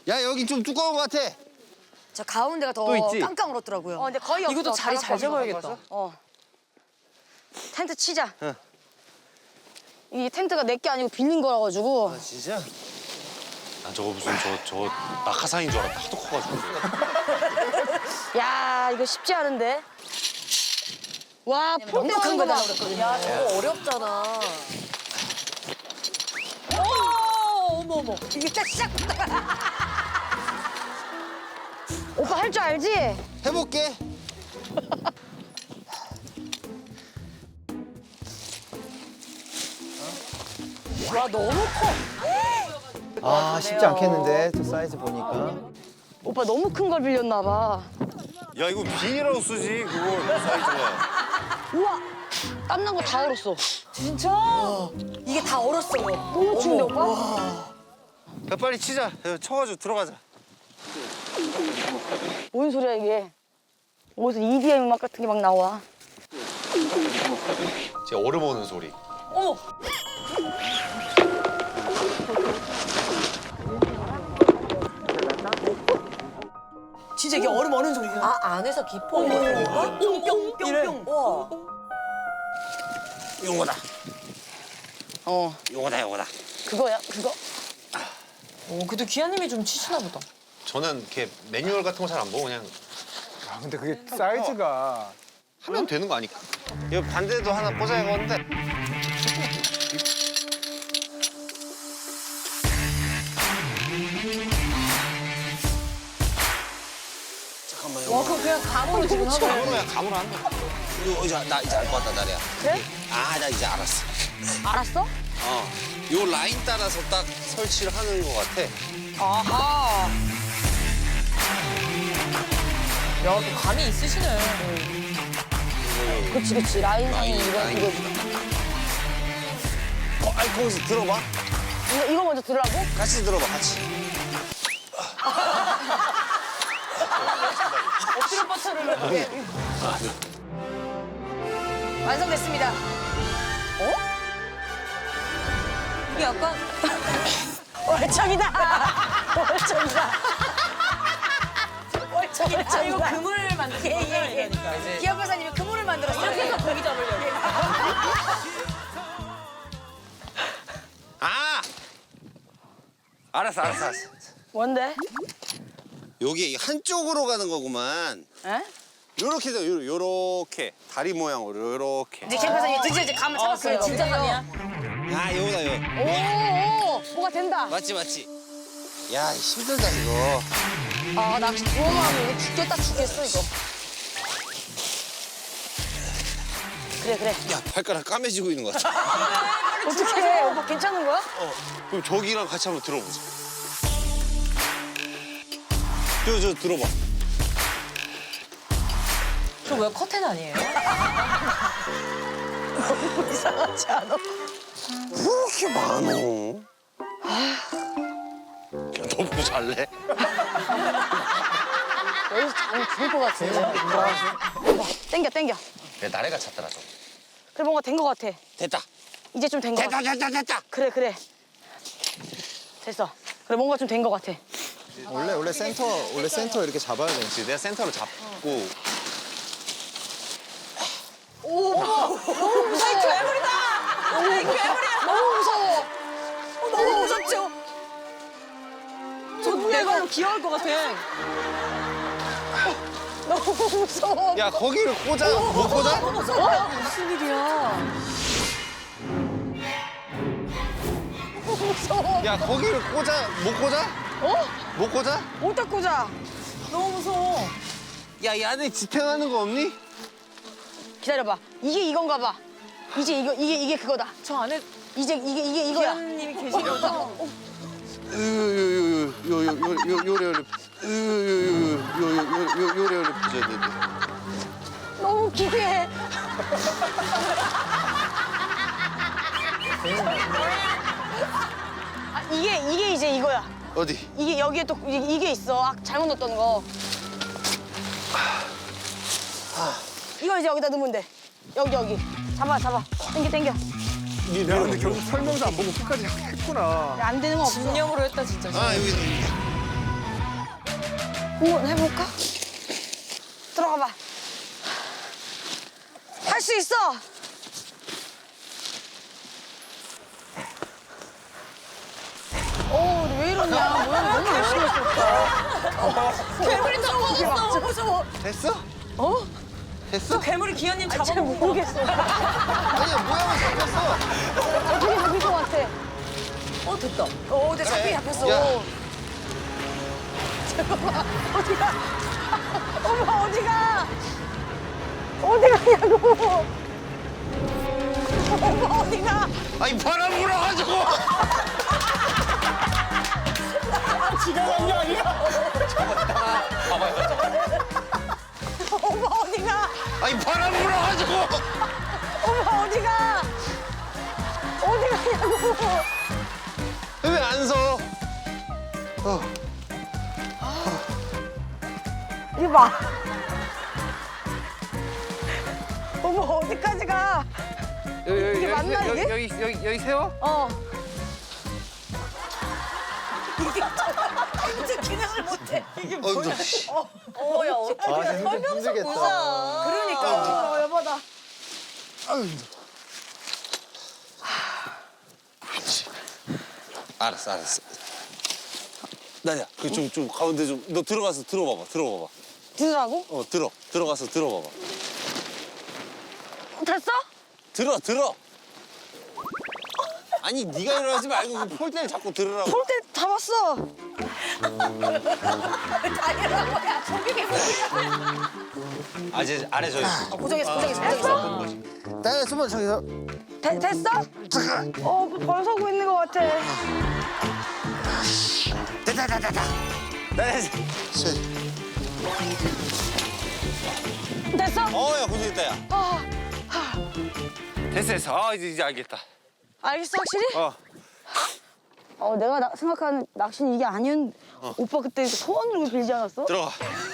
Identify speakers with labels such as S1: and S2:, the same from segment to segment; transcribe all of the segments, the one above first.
S1: 야 여기 좀 두꺼운 것 같아.
S2: 저 가운데가 더
S1: 또 있지?
S2: 깡깡 얼었더라고요.
S3: 근데 거의 없어.
S4: 이것도 자리 잘 잡아야겠다.
S3: 텐트 치자.
S1: 응.
S3: 이 텐트가 내 게 아니고 빌린 거라 가지고.
S1: 아 진짜?
S5: 난 저거 무슨 저 낙하산인 줄 알았다. 하도 커가지고.
S3: 야 이거 쉽지 않은데. 와
S2: 너무 큰
S3: 폴대
S2: 거다
S3: 봐.
S2: 그랬거든요.
S4: 야, 저거 어렵잖아. 어머.
S2: 이게 딱 시작부터.
S3: 오빠 할 줄 알지?
S1: 해볼게.
S4: 와, 너무 커.
S6: 아 쉽지 않겠는데 저 사이즈 보니까.
S3: 오빠 너무 큰 걸 빌렸나 봐.
S5: 야 이거 비닐하우스지 그거 사이즈가.
S3: 우와 땀난 거 다 얼었어.
S4: 진짜?
S2: 이게 다 얼었어요.
S3: 너무 추운데 오빠?
S1: 야 빨리 치자. 야, 쳐가지고 들어가자.
S3: 뭔 소리야 이게? 어디서 EDM 음악 같은 게 막 나와.
S5: 제 얼음 오는 소리.
S4: 어머. 진짜 이게 얼음 어는 소리야. 아, 안에서 깊어. 이거 뿅뿅뿅뿅. 와.
S1: 용어다.
S3: 어
S1: 용어다.
S3: 그거야 그거.
S4: 그래도 기아님이 좀 치시나 보다.
S5: 저는 이렇게 매뉴얼 같은 거 잘 안 보고 그냥
S6: 아 근데 그게 사이즈가.
S5: 하면 되는 거 아닐까?
S1: 이거 반대도 하나 꽂아야겠는데. 잠깐만요.
S4: 와, 그럼 그냥 감으로 지금 하고.
S5: 그냥 감으로 하는 거.
S1: 이거 이제 나 이제 알 것 같다 나래야.
S3: 그래?
S1: 아 나 이제 알았어.
S3: 알았어?
S1: 요 라인 따라서 딱 설치를 하는 것 같아.
S4: 아하. 야, 또 감이 있으시네.
S3: 그치 라인상이
S1: 라인.
S3: 이거
S1: 아니 거기서 들어봐.
S3: 이거 먼저 들으라고?
S1: 같이 들어봐 같이.
S4: 엎드려 뻗쳐를 이렇게.
S2: 완성됐습니다.
S4: 이게 약간
S3: 월척이다. 월척이다.
S4: 아, 이거 그물 만드는 거예요. 이러니까.
S2: 기아 박사님이 그물을 만들었어요.
S4: 이렇게 해서 고기 잡으려고.
S1: 아 알았어.
S3: 뭔데?
S1: 여기 한쪽으로 가는 거구만.
S3: 에?
S1: 요렇게 돼, 요렇게 다리 모양으로 요렇게.
S2: 이제 기아 박사님이 드디어 이제 감을 잡았어요.
S4: 진짜 감이야?
S1: 아 요거다 요.
S3: 오 뭐가 된다.
S1: 맞지. 야 힘들다 이거.
S3: 아 낚시 두어만 이거 죽겠어 이거. 그래.
S1: 야 발가락 까매지고 있는 것 같아.
S3: 어떡해 오빠 괜찮은 거야?
S1: 그럼 저기랑 같이 한번 들어보자. 저 들어봐.
S4: 저 왜 커튼 아니에요?
S3: 이상하지 않아?
S1: 그렇게 많어.
S5: 너 뭐 잘래?
S3: 여기서 자면 죽을 것 같은데. 오빠 땡겨.
S5: 그래 나래가 찾더라 좀.
S3: 그래 뭔가 된 것 같아.
S1: 됐다.
S3: 이제 좀 된 것 같아.
S1: 됐다.
S3: 그래. 됐어. 그래 뭔가 좀 된 것 같아.
S6: 원래 센터 이렇게 잡아야 돼.
S5: 그렇지 내가 센터를 잡고
S4: 무서워. 괴물이다. 괴물이야.
S3: 너무 무서워.
S4: 너무 무섭죠? 저 내가 귀여울 것 같아.
S3: 너무 무서워.
S1: 야 거기를 꽂아. 못 꽂아?
S4: 무슨 일이야?
S3: 무서워.
S1: 야 거기를 꽂아. 못 꽂아? 못 꽂아?
S3: 어디다 꽂아?
S4: 너무 무서워.
S1: 야 이 안에 지탱하는 거 없니?
S3: 기다려봐. 이게 이건가 봐. 이제 이게 그거다.
S4: 저 안에
S3: 이제 이게 이거야.
S4: 기아님이 계신 거죠?
S1: 요래 부셔야 되는데.
S3: 너무 기괴해. 이게 이제 이거야.
S1: 어디?
S3: 이게 여기에 또 이게 있어. 잘못 넣었던 거. 이거 이제 여기다 넣으면 돼. 여기. 잡아. 당겨.
S6: 야 근데 결국 설명도 안 보고 끝까지 했구나.
S3: 안 되는 거 없어.
S4: 진념으로 했다 진짜.
S1: 아 여기.
S3: 한번 해볼까? 들어가봐. 할 수 있어. 왜 이러냐? 너무 열심히 했었다.
S4: 괴물이 잡아줬어. 무서워.
S6: 됐어? 됐어?
S4: 괴물이 기현님
S3: 잘
S4: 잡아먹은
S3: 모르겠어.
S6: 아니 모양은 잡혔어.
S3: 어떻게 잡힐 것 같아?
S4: 됐다.
S2: 근데 잡히 잡혔어.
S6: 야.
S3: 어디가? 엄마 어디가? 어디 가냐고? 엄마 어디가?
S1: 아니 바람 불어가지고.
S3: 지나간 게 아니야? 엄마 어디가?
S1: 아니 바람 불어가지고.
S3: 엄마 어디가? 어디 가냐고?
S1: 왜 안 서?
S3: 이거 봐. 엄마 어디까지 가?
S1: 여기
S3: 이게 맞나, 이게?
S1: 여기 세워?
S3: 어.
S4: 기능을 못해.
S6: 너 씨.
S4: 야, 어떡해.
S6: 아 힘들겠다.
S3: 그러니까. 여보다.
S1: 알았어. 나야, 그 좀 가운데 좀 너 들어가서 들어봐봐.
S3: 들으라고?
S1: 들어가서 들어봐봐.
S3: 됐어?
S1: 들어. 아니 네가 일어나지 말고 그 폴대를 자꾸 들으라고.
S3: 폴대 잡았어.
S1: 아 이제 아래 저 있어.
S2: 고정했어.
S6: 나야 숨어 저기서.
S3: 됐어? 벌 서고 있는 것 같아.
S1: 됐다.
S3: 됐어?
S1: 야 고생했다 야. 됐어. 아 이제 알겠다.
S3: 알겠어, 확실히? 내가 생각하는 낚시는 이게 아니었는데. 오빠 그때 소원으로 빌지 않았어?
S1: 들어가.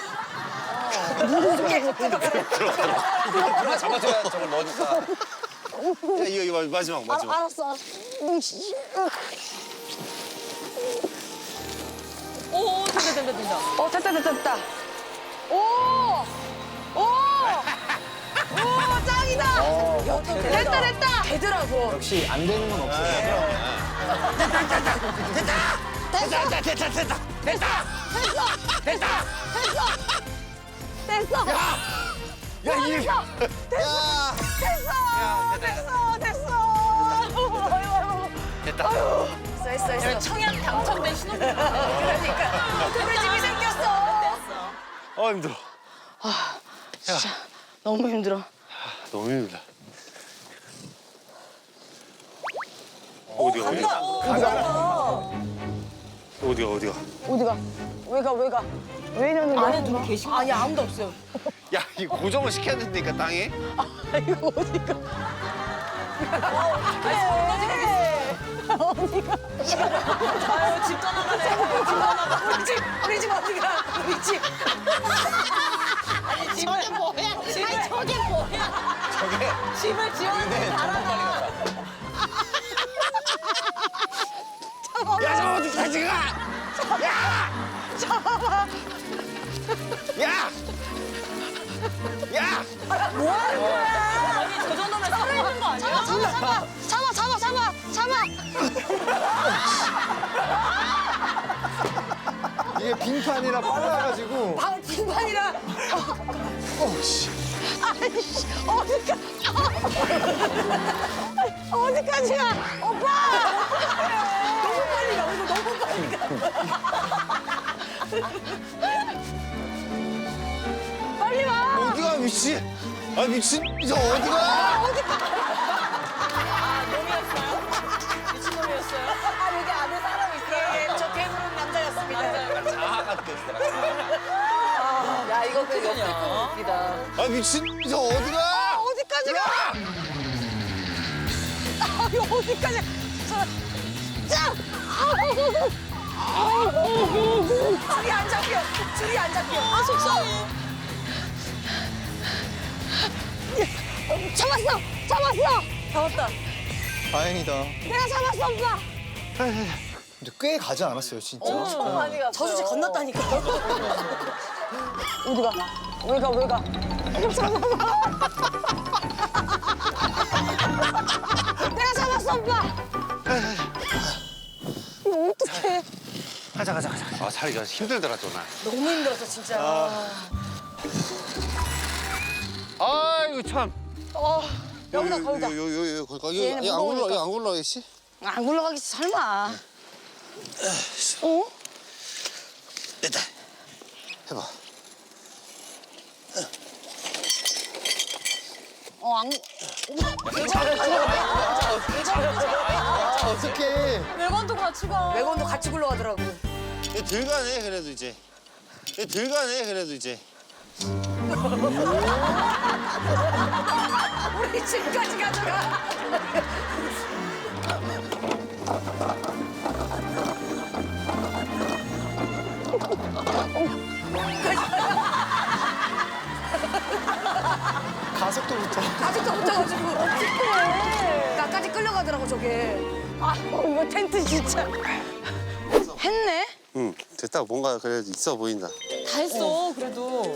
S1: 누가 잡아줘야 저걸 넣어줄까. 야 이거 마지막.
S3: 알았어. 된다. 오! 짱이다! 됐다!
S2: 되더라고.
S6: 역시 안 되는 건 없어.
S3: 됐어!
S1: 야 이게.
S3: 됐어!
S2: 했어.
S4: 청약 당첨된 신혼부부.
S2: 그러니까. 그래 집이 생겼어.
S1: 힘들어.
S3: 너무 힘들어.
S1: 너무 힘들다. 어디가?
S3: 어디가? 왜 가? 왜 이러는 거야?
S4: 안에 누구 계신 거
S3: 아니, 아무도 없어요.
S1: 야 이 고정을 시켜야 된다니까 땅에.
S3: 이거 어디가?
S4: 아유, 집 떠나가네.
S2: 우리 집 어디가? 우리 집.
S4: 저게 뭐야? 저게 뭐야? 집을 지었는데 달아나.
S1: 야 저 어디까지 가? 야!
S4: 아니, 저 정도면 살아있는 거 아니야?
S3: 잡아!
S6: 이게 빙판이라 빨라가지고.
S2: 빙판이라.
S3: 아이씨, 어디까지 가? 오빠!
S2: 너무 빨리 가. 이거 너무 빨리 가.
S3: 빨리 와!
S1: 어디가 미친? 아 미친 저 어디가?
S4: 미친놈이었어요?
S2: 아 여기 안에 사람 있어요. 저 괴물은 남자였습니다.
S1: 자아가 됐어.
S2: 야 이거 그 옆에 거 웃기다.
S1: 아 미친 저 어디가?
S3: 어디까지 가? 이거 어디까지? 자!
S2: 줄이 안 잡혀.
S3: 아, 속상해. 잡았어!
S2: 잡았다.
S6: 다행이다.
S3: 내가 잡았어, 오빠!
S6: 근데 꽤 가지 않았어요, 진짜.
S4: 많이 갔어요. 저수지 건넜다니까.
S3: 어디가? 왜 가? 왜 가? 내가 잡았어, 오빠. 이거 어떡해?
S1: 가자.
S5: 아 살이 힘들더라 또 나.
S4: 너무 힘들었어 진짜.
S1: 아이고 참.
S3: 여기다 걸자.
S1: 요 걸까?
S3: 얘는
S1: 이거
S3: 무거우니까.
S1: 안 굴러가겠지?
S3: 안 굴러가겠지, 설마. 어?
S1: 됐다. 해봐.
S3: 안.
S6: 어떡해.
S4: 외관도 같이 가. 외관도 같이 굴러가더라고.
S1: 얘 들가네 그래도 이제. 얘 들가네 그래도 이제.
S4: 우리 집까지 가져가.
S6: 가속도 붙어.
S4: 아직도 붙어가지고. 나까지 끌려가더라고 저게.
S3: 이거 텐트 진짜. 했네?
S1: 응. 됐다. 뭔가 그래도 있어 보인다.
S4: 다 했어 그래도.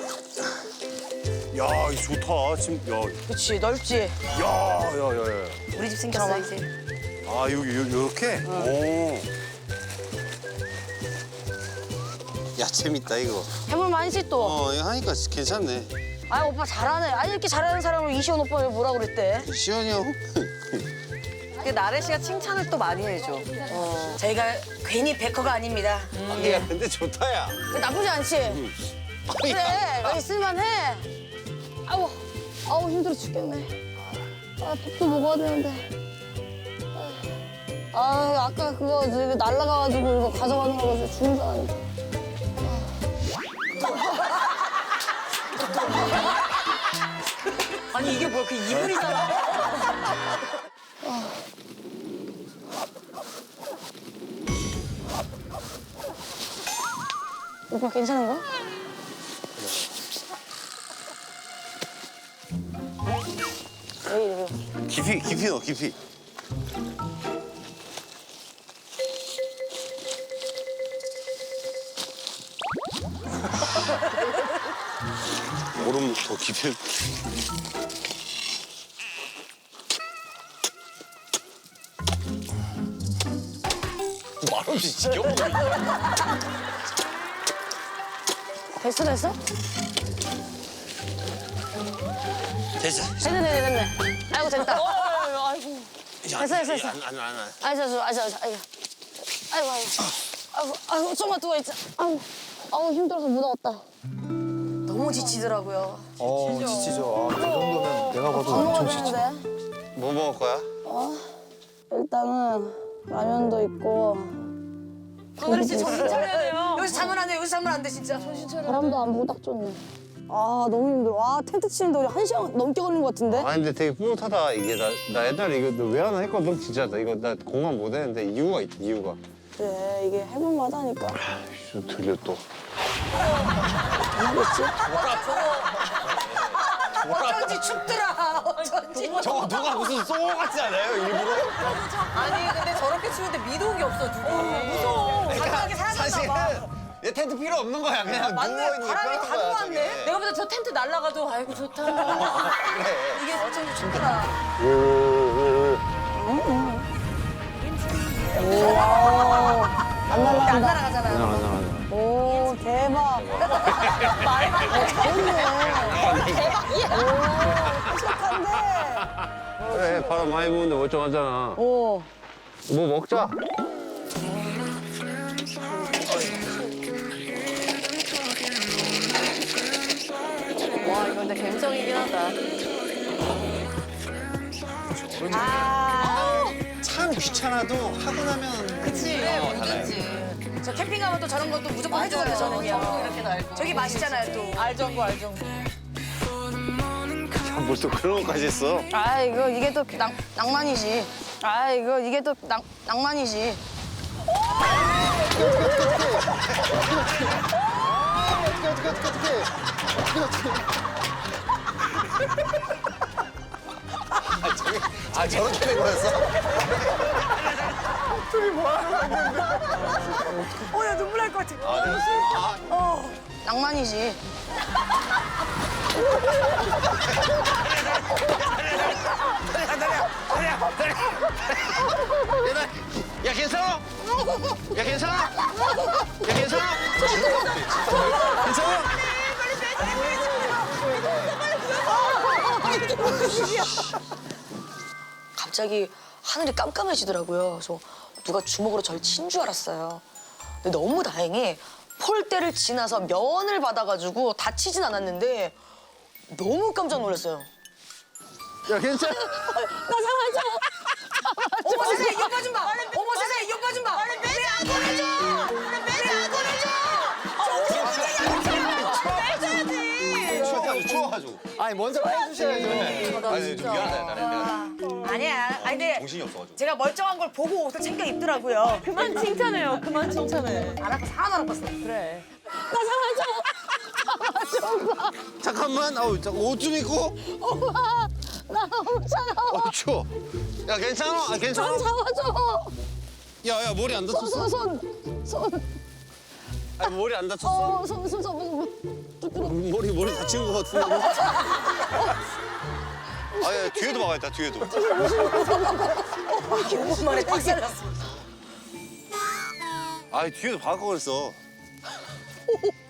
S1: 야, 이거 좋다. 지금 야,
S3: 그치, 넓지?
S1: 야.
S4: 우리 집 생겼어 이제.
S1: 아, 요렇게? 오. 야, 재밌다 이거.
S3: 해볼 만이지 또.
S1: 이거 하니까 괜찮네.
S3: 아 오빠 잘하네. 아니 이렇게 잘하는 사람을 이시원 오빠를 뭐라 그랬대?
S1: 시원이 형.
S4: 그 나래 씨가 칭찬을 또 많이 해줘. 저희가 괜히 백허가 아닙니다.
S1: 야, 근데 좋다 야.
S3: 나쁘지 않지? 그래, 여기 있을만해. 아우 힘들어 죽겠네. 밥도 먹어야 되는데. 아까 그거 날라가가지고 이거 가져가는 거 죽는 줄 알았는데.
S4: 아니 이게 뭐야 그 이불이잖아.
S3: 오빠 괜찮은 거야? 왜 이래?
S1: 깊이 넣어, 깊이. 얼음 더 깊이. 말없이 지겨워.
S3: 됐어?
S1: 됐어.
S3: 됐네. 아이고 됐다. 됐어. 아이고 좀만 누워 있자. 아우 힘들어서 못 나왔다.
S4: 너무 지치더라고요.
S6: 지치죠. 저 정도면 내가 봐도
S3: 밥 먹어야
S6: 엄청 지쳐.
S3: 되는데.
S1: 뭐 먹을 거야?
S3: 일단은 라면도 있고.
S4: 오늘 진짜 정신 차려야 돼요. 여기서 자면 안 돼. 여기서 자면 안 돼 진짜. 정신 차려.
S3: 바람도 안 불고 딱 좋네. 너무 힘들어. 텐트 치는데 우리 1시간 넘게 걸린 것 같은데?
S1: 아 근데 되게 뿌듯하다. 이게 나 옛날에 이거 너 왜 하나 했거든 진짜. 나 이거 나 공감 못 했는데 이유가 있다. 이유가.
S3: 그래 이게 해볼만 하니까.
S1: 좀 들려 또.
S3: 하겠지?
S4: 어쩐지 춥더라. 어쩐지.
S1: 저거 누가 무슨 쏘 같지 않아요 일부러?
S4: 아니 근데 저렇게 추운데 미동이 없어 누구. 무서워. 바닥에 사라졌나 봐.
S1: 얘 텐트 필요 없는 거야. 그냥
S4: 맞네.
S1: 누워있는 게
S4: 바람이
S1: 편한
S4: 다
S1: 거야,
S4: 들어왔네.
S1: 저게.
S4: 내가 보다 저 텐트 날라가도 아이고 좋다. 이게 어쩐지 춥더라.
S3: 안 날라간다.
S4: 안 날아가잖아요.
S3: 오 대박. 대박이야. 오 착한데.
S1: 그래 바람 많이 부는데 멀쩡하잖아.
S3: 오.
S1: 뭐 먹자.
S4: 와 이거 근데 감성이긴 하다.
S1: 참 귀찮아도 하고 나면.
S4: 그치. 뭐든지. 저 캠핑 가면 또 저런 것도 무조건 해주거든요 저는요. 이렇게 날고. 저기 맛있잖아요 또. 알정구.
S1: 뭘 또 그런 것까지 했어?
S3: 이게 또 낭만이지. 이게 또 낭만이지.
S1: 아 저렇게 된 거였어?
S4: 야 눈물 날 것 같아.
S3: 낭만이지.
S1: 야 괜찮아? 야 괜찮아? 야 괜찮아? 괜찮아?
S4: 갑자기 하늘이 깜깜해지더라고요. 그래서 누가 주먹으로 저를 친 줄 알았어요. 근데 너무 다행히 폴대를 지나서 면을 받아가지고 다치진 않았는데 너무 깜짝 놀랐어요.
S1: 야 괜찮아?
S4: 어머 세상에 이 오빠 좀 봐. 어머 세상에 이 오빠 좀 봐. 왜안 보내줘? 왜안 보내줘?
S1: 추워가지고.
S6: 아니 먼저 해주셔야죠.
S1: 아니 좀 미안하다 내가.
S2: 아니야. 아니 근데
S1: 정신이 없어가지고.
S2: 제가 멀쩡한 걸 보고 옷을 챙겨 입더라고요.
S7: 그만 칭찬해요. 그만 칭찬해.
S2: 알아서 하나도 안 봤어.
S7: 그래.
S1: 잠깐만. 아우 옷 좀 입고.
S3: 오빠, 나 너무 차가워.
S1: 추워. 야 괜찮아? 아 괜찮아?
S3: 잡아줘.
S1: 야야 머리 안 다쳤어?
S3: 손.
S1: 아니 머리 안 다쳤어?
S3: 손 잡아줘.
S1: 머리 다친 거 같은데. 아야 뒤에도 막아야겠다 뒤에도.
S4: 5분 만에 박살났어.
S1: 아 뒤에도 박을 걸 그랬어.